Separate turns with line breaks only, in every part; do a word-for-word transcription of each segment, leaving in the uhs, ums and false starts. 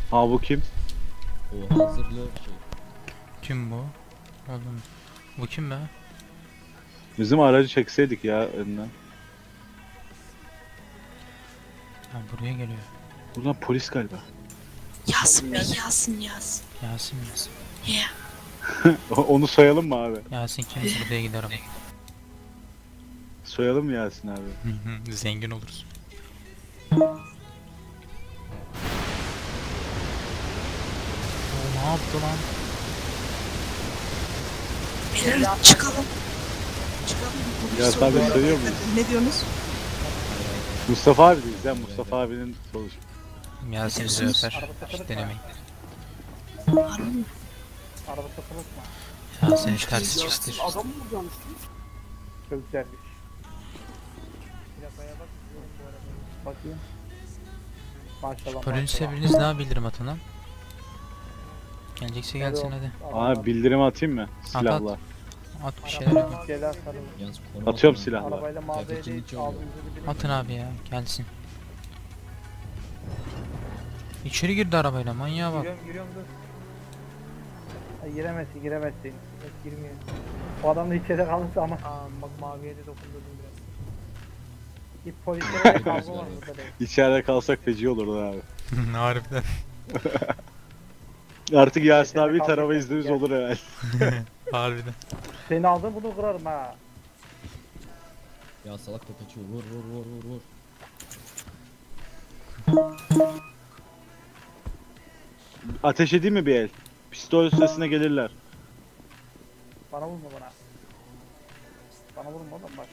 Ha bu kim?
O hazırlı şey.
Kim bu? Oğlum. Bu kim be?
Bizim aracı çekseydik ya önden.
Ha, buraya geliyor.
Buradan polis galiba.
Yasin Bey, Yasin, Yasin.
Yasin Yasin.
Ya.
Onu soyalım mı abi?
Yasin kim? Buraya giderim.
Soyalım mı Yasin abi?
Zengin oluruz. O ne yaptı lan?
Beyler çıkalım. Çıkalım.
Yasin abi soyuyor muyuz?
Ne diyorsunuz?
Mustafa abi deyiz ya, Mustafa abinin sonuç.
Yasin bizi öper. Hiç denemeyin.
Harbi mi?
Araba satılık mı?
Yasin hiç ters çıktır.
Adam mı vuracaksınız? Çok güzelmiş. Plakaya bak, diyorum bu arada. Bakayım. Maşallah.
Polise
maşallah.
biriniz daha bildirim atın lan. Gelecekse gelsin hadi.
Abi bildirim atayım mı? Silahla.
At bir şeyler yapın.
Gelen sarılın.
Yalnız konu
Atıyorum
bakma.
silahla.
Arabayla mağazaya
Kıyafetçinin
değil,
içi oluyor.
ağzınızı bir
Atın abi ya gelsin. İçeri girdi arabayla manyağa bak.
Giriyorum, giriyorum dur. Ay, giremezsin, giremezsin. Yok, girmiyor. O adam da içeride kalırsa ama. Aa, bak maviye de dokundurdum biraz. Git polislere de kavga var burada da.
İçeride kalsak feci olurdu abi.
Harbiden.
Artık Yasin
İçeride
abi
kalsak
tarama
da-
iznimiz
Gel.
olur herhalde.
Harbiden.
Seni aldım bunu kırarım ha.
Ya salak da kaçıyor. Vur vur vur vur vur.
Ateş edeyim mi bir el? Pistol sesine gelirler.
Bana vurma bana. Bana vurma oğlum bak.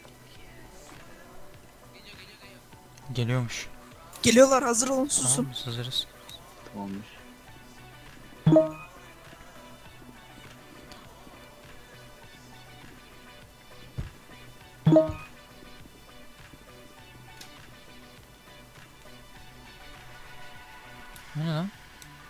Geliyormuş.
Geliyorlar, hazır olun, susun.
Tamam biz hazırız.
Tamamdır.
Bu ne lan?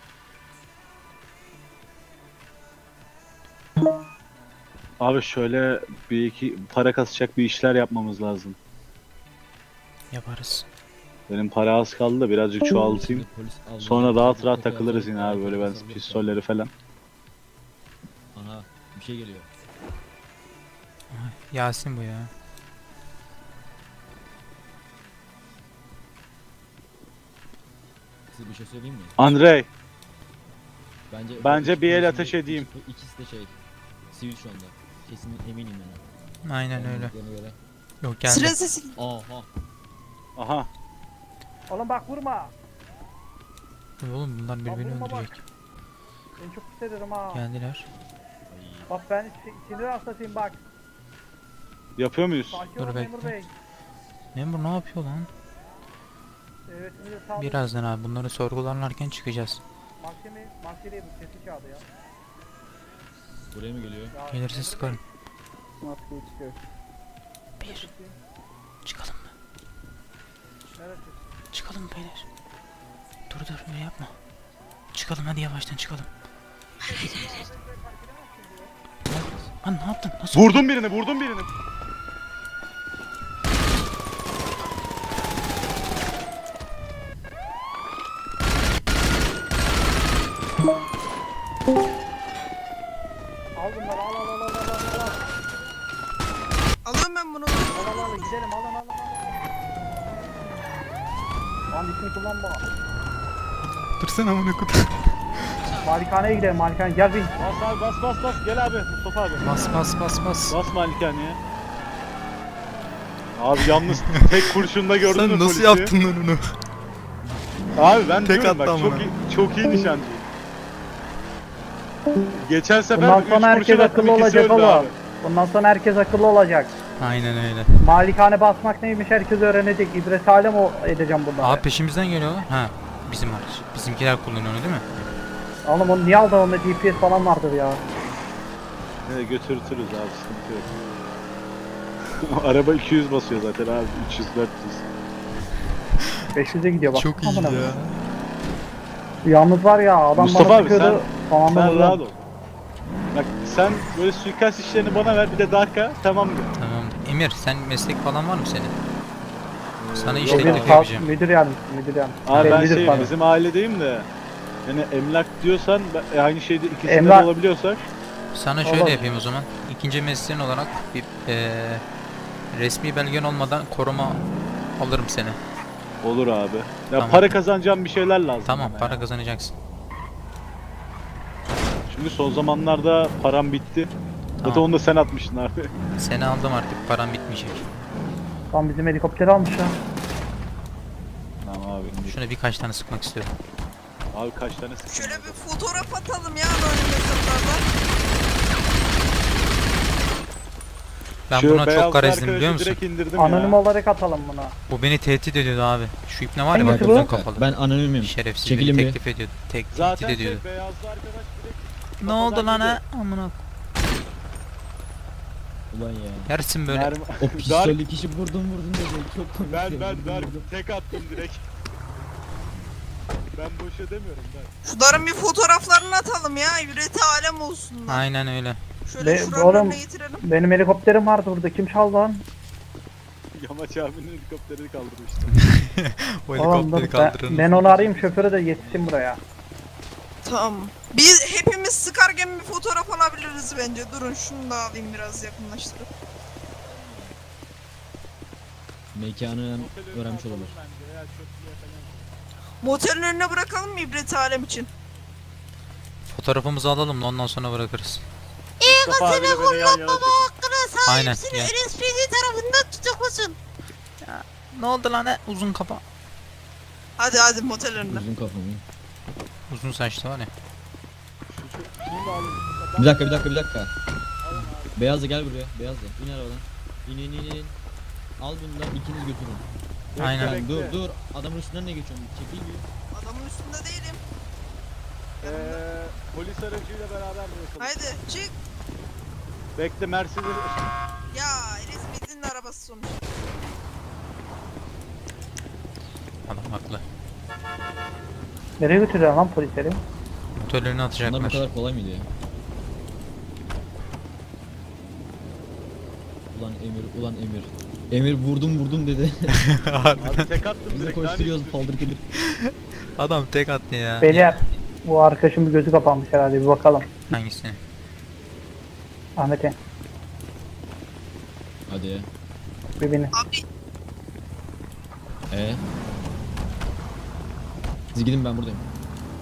Abi şöyle bir iki para kasacak bir işler yapmamız lazım.
Yaparız.
Benim para az kaldı da birazcık çoğaltayım.
Şimdi polis almaya
Sonra rahat
çalışıyor.
rahat
Kapıyı
takılırız
açıyor,
yine abi böyle ben
hazırlık
pistolleri falan.
Aha bir şey geliyor.
Yasin bu ya.
Size bir şey söyleyeyim mi?
Andrei,
Bence
Bence bir el
polisin
ateş
de-
edeyim.
ikisi- İkisi de şey. Sivil şu anda. Kesin eminim yani.
Aynen öyle.
Anladıklarına göre.
Yok geldi.
Siren sesi.
Aha.
aha.
Oğlum bak vurma.
Oğlum bunlar birbirini
vurma bak.
öldürecek.
Beni çok pis ederim ha.
Geldiler.
Ay.
Bak ben si- sinir hastasıyım bak.
Yapıyor muyuz?
Sakin
Dur
ol memur
bekle.
bey.
Memur ne yapıyor lan?
Evet sinir sağ
Birazdan abi bunları sorgularlarken çıkacağız.
Mahkeme, mahkemeye bu sesi kağıdı ya.
Buraya mı geliyor?
ya
Gelirse
memur
sıkarım.
bey, Maskeyi çıkıyor.
Bir. Çıkalım mı?
Neresi?
Çıkalım beyler. Dur dur öyle yapma. Çıkalım hadi yavaştan çıkalım. Lan ne yaptın? Nasıl?
Vurdum birini, vurdum birini.
Al bunları al al al al al al al.
Alıyorum ben bunu.
Al al al gidelim al al al al. Lan ismini kullanma.
Dursana amına kodum.
Malikaneye gidelim malikane gel bin.
Bas abi bas bas bas gel abi Mustafa abi.
Bas bas bas bas.
Bas malikaneye. Abi yalnız tek kurşunda gördün mü
Sen nasıl
polisi?
yaptın lan onu?
Abi ben
Tek
diyorum
attı
bak çok
amına.
iyi, çok iyi nişancıyım. Geçen sefer
Bundan
üç
sonra herkes
kurşun attım,
akıllı
ikisi
olacak
öldü
oğlum.
abi.
Bundan sonra herkes akıllı olacak.
Aynen öyle.
Malikane basmak neymiş herkes öğrenecek. İbret alem o edeceğim bunları.
Abi peşimizden geliyorlar. Ha bizim araç. Bizimkiler kullanıyor onu değil mi?
Oğlum onu niye aldın onda G P S falan vardır ya.
Ne götürtürüz abi sıkıntı yok. Araba iki yüz basıyor zaten abi üç yüz dört yüz.
beş yüze gidiyor bak.
Çok iyi
Amına
ya.
koyayım. Yalnız var ya adam
Mustafa
bana
abi,
sıkıyordu. Tamam
Sen
mı?
rahat ol. Bak sen böyle suikast işlerini bana ver bir de Darka tamam mı?
Tamam. Emir sen meslek falan var mı senin? Sana
Yok
işletmek
abi.
Müdür,
yapacağım.
müdür yardımcısı, müdür yardımcısı.
Abi ben
Müdür
şey
pardon.
bizim ailedeyim de Yani emlak diyorsan ben- aynı şeyde ikisinde
Emlak-
de olabiliyorsak
Sana şöyle
Olur.
yapayım o zaman. İkinci mesleğin olarak bir eee, resmi belgen olmadan koruma alırım seni.
olur abi. Ya
Tamam.
para kazanacağım bir şeyler lazım.
Tamam,
bana
para
ya.
kazanacaksın.
Çünkü son zamanlarda param bitti. Zaten
Tamam.
onu da sen atmıştın abi.
Seni aldım artık, param bitmeyecek.
Tam bizim helikopteri almış ha.
Tamam abi. indik.
Şuna birkaç tane sıkmak istiyorum.
Abi kaç tane sıktın?
Şöyle bir fotoğraf atalım ya anonim mesajlardan.
Ben
Şu
buna
beyazlı
çok garezdim
arkadaşı
biliyor musun?
Direkt indirdim
Anonim
ya.
olarak atalım buna.
Bu beni tehdit ediyordu abi. Şu ipne var ya bak,
Hangisi
uzun
bu?
kafalı.
Ben anonimim.
Şerefsiz
Çekilin
beni
bir.
teklif ediyordu. Tek,
Zaten
tehdit
şey
ediyordu.
beyazlı arkadaş direkt
Ne oldu lan ha?
kafadan
Amına.
Ulan ya.
Yersin böyle.
Mermi...
O
Dark,
pistollü kişi vurdum vurdum dedi. Çok komik.
ben
ya,
ben
vurdum,
Dark
vurdum.
tek attım direkt. Ben boş edemiyorum ben.
Şunların bir fotoğraflarını atalım ya. Yüreği alem olsunlar.
Aynen öyle.
Şöyle
Be-
şuranın
oğlum.
önüne getirelim.
Benim helikopterim vardı burada. Kim çaldı lan?
Yamaç abinin helikopterini kaldırmıştım.
O
Oğlum dur,
helikopteri
ben,
kaldırın.
ben onu arayayım, şoförü de yetişsin buraya.
Tamam. Biz hepimiz sıkarken bir fotoğraf alabiliriz bence. Durun şunu da alayım biraz yakınlaştırıp.
Mekanı öğrenmiş olabilir.
Bence ya çöplüğe falan.
Motelin önüne bırakalım mı ibret alem için?
Fotoğrafımızı alalım da ondan sonra bırakırız.
Mustafa abiyle beni yan yana çekin.
Aynen. Ya.
N S P D tarafından tutuklusun.
Ne oldu lan he? Uzun kafa.
Hadi hadi motel önüne.
Uzun kafamı.
Uzun saçlı var ya.
Şunu da alın.
Bir dakika bir dakika bir dakika. Beyazlı gel buraya. Beyazlı. İn arabadan. İn in in in. Al bundan ikiniz götürün.
Aynen.
Yani dur
bekle.
dur. Adamın üstünden ne geçiyorsun? Çekil bir.
Adamın üstünde değilim.
Eee polis aracıyla beraber bırakalım.
Haydi çık.
Bekle Mercedes.
Ya N S P D'nin arabası sonuçta.
Adam haklı.
Nereye götürüyor lan polisleri?
Motorlarını
Bunlar bu
atacaklar.
kadar kolay mıydı ya? Ulan Emir, ulan Emir. Emir vurdum vurdum dedi.
Abi tek attım
Biz de
direkt.
koşturuyoruz
lanet
paldır gelir.
Adam tek attı ya.
Beyler, bu arkadaşın bir gözü kapanmış herhalde, bir bakalım.
Hangisini?
Ahmet'e,
Hadi ya.
bir beni.
Abi
Ee? Siz gidin ben buradayım.